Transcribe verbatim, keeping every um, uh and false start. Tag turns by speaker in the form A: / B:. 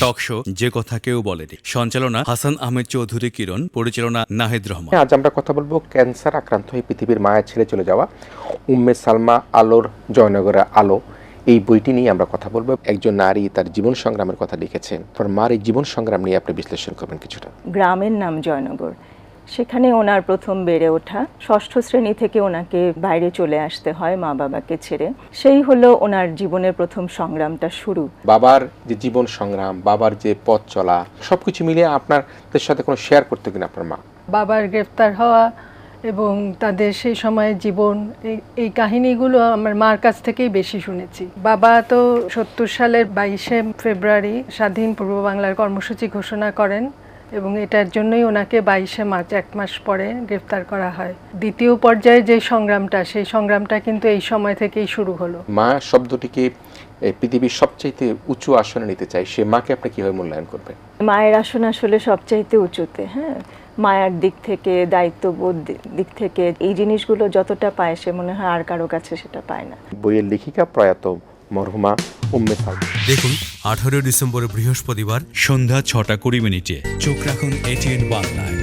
A: Talk show যে কথা কেউ বলেনি। সঞ্চালনা হাসান আহমেদ চৌধুরী কিরণ, পরিচালনা নাহিদ রহমান।
B: আজ আমরা কথা বলবো ক্যান্সার আক্রান্ত হয়ে পৃথিবীর মায়া ছেড়ে চলে যাওয়া উম্মে সালমা আলোর জয়নগরের আলো, এই বইটি নিয়ে আমরা কথা বলবো। একজন নারী তার জীবন সংগ্রামের কথা লিখেছেন, তার মার এই জীবন সংগ্রাম নিয়ে আপনি বিশ্লেষণ করবেন কিছুটা।
C: গ্রামের নাম জয়নগর, সেখানে ওনার প্রথম বেড়ে ওঠা। ষষ্ঠ শ্রেণী থেকে ওনাকে বাইরে চলে আসতে হয় মা বাবাকে ছেড়ে। সেই হলো ওনার জীবনের প্রথম সংগ্রামটা শুরু।
B: বাবার যে জীবন সংগ্রাম, বাবার যে পথ চলা, সবকিছু মিলিয়ে আপনাদের সাথে কোনো শেয়ার করতে কিনা আপনার মা?
D: বাবার গ্রেফতার হওয়া এবং তাদের সেই সময়ের জীবন, এই এই কাহিনীগুলো আমার মার কাছ থেকেই বেশি শুনেছি। বাবা তো সত্তর সালের বাইশে ফেব্রুয়ারি স্বাধীন পূর্ব বাংলার কর্মসূচি ঘোষণা করেন এবং এটার জন্যই ওনাকে বাইশে মার্চ এক মাস পরে গ্রেফতার করা হয়। দ্বিতীয় পর্যায়ে যে সংগ্রামটা, সেই সংগ্রামটা কিন্তু এই সময় থেকেই শুরু হলো।
B: মা শব্দটিকে এই পৃথিবীর সবচাইতে উঁচু আসনে নিতে চাই, সে মাকে আপনি কিভাবে মূল্যায়ন করবেন?
C: মায়ের আসন আসলে সবচাইতে উঁচুতে। হ্যাঁ, মায়ের দিক থেকে, দায়িত্ববোধ দিক থেকে এই জিনিসগুলো যতটা পায় সে মনে হয় আর কারো কাছে সেটা পায় না।
B: বইয়ের লেখিকা প্রয়াত মরহুমা উম্মে সালমা।
A: দেখুন আঠারোই ডিসেম্বর বৃহস্পতিবার সন্ধ্যা ছটা কুড়ি মিনিটে। চোখ রাখুন এটিএন বাংলায়।